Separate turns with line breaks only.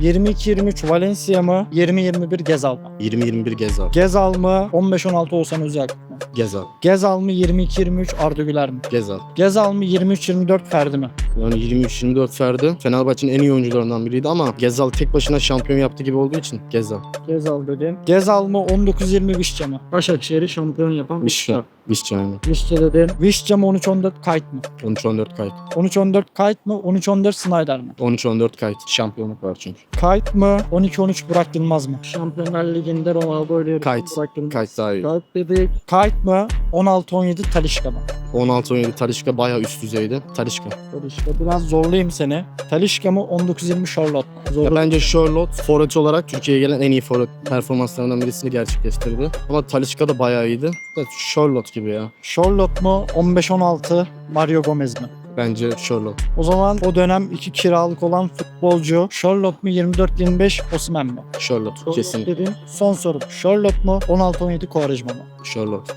22-23 Valencia mı? 20-21 Gezal mı?
20-21 Gezal.
Gezal mı? 15-16 Oğuzhan Özyakup mu?
Gezal.
Gezal mı? 22-23 Arda Güler mi?
Gezal.
Gezal mı? 23-24 Ferdi mi?
Yani 23-24 Ferdi Fenerbahçe'nin en iyi oyuncularından biriydi ama Gezal tek başına şampiyon yaptı gibi olduğu için Gezal.
Gezal dedin. Gezal mı? 19-20 Vişça mı? Başakşehir'i şampiyon yapan
Vişça. Vişça yani.
Vişça dedin. Vişça mı? 13-14 Kayıt mı?
13-14 kayıt.
13-14 Kayıt mı? 13-14 Snyder mi?
13-14 kayıt. Şampiyonluk var çünkü.
Kayıt mı? 12-13 Burak Yılmaz mı? Şampiyonlar Ligi'nde Ronaldo ile
Kayıt.
Burak Yılmaz.
Kayıt daha iyi.
Kayıt dedik. Kayıt mı? 16-17 Talisca mı?
16-17 Talisca bayağı üst düzeydi. Talisca.
Talisca biraz zorlayayım seni. Talisca mı? 19-20 Charlotte mu?
Ya
Zorlu.
bence Charlotte forvet olarak Türkiye'ye gelen en iyi forvet performanslarından birisini gerçekleştirdi. Ama Talisca da bayağı iyiydi. Evet, Charlotte gibi ya.
Charlotte mu? 15-16 Mario Gomez mi?
Bence Charlotte.
O zaman o dönem iki kiralık olan futbolcu Charlotte mu? 24-25 Osimhen mi?
Charlotte kesin.
Dedim. Son sorum. Charlotte mu? 16-17 Quaresma mı?
Charlotte.